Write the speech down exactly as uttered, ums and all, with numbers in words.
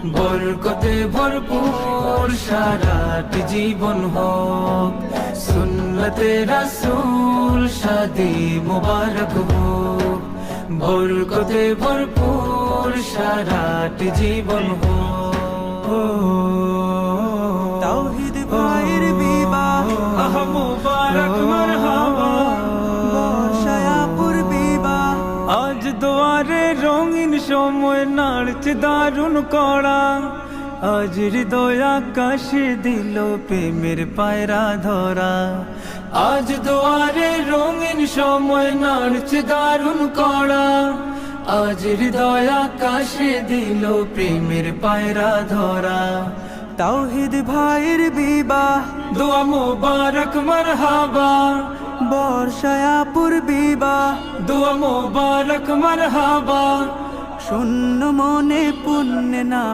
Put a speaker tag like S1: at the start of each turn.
S1: বরকতে ভরপুর সারাটি জীবন হোক, সুন্নতে রাসূল শাদি মুবারক হোক। বরকতে ভরপুর সারাটি জীবন হোক।
S2: তাওহীদ ভাইয়ের বিবাহ
S1: আহ মুবারক মারহাবা,
S2: বর্ষায় আপুর বিবাহ
S1: আজ দুয়ারে রঙিন সময় নাড়ছে দারুণ কড়া। আজ হৃদয় আকাশে দিল প্রেমের পায়রা ধরা। আজ দুয়ারে রঙিন সময় নাড়ছে দারুণ কড়া। আজ হৃদয় আকাশে দিল প্রেমের পায়রা ধরা।
S2: তাওহীদ ভাইয়ের বিবাহ
S1: দোয়া মুবারক মারহাবা,
S2: বর্ষায় আপুর বিবাহ
S1: দোয়া মুবারক মারহাবা।
S2: শূন্য মনে পুণ্যে না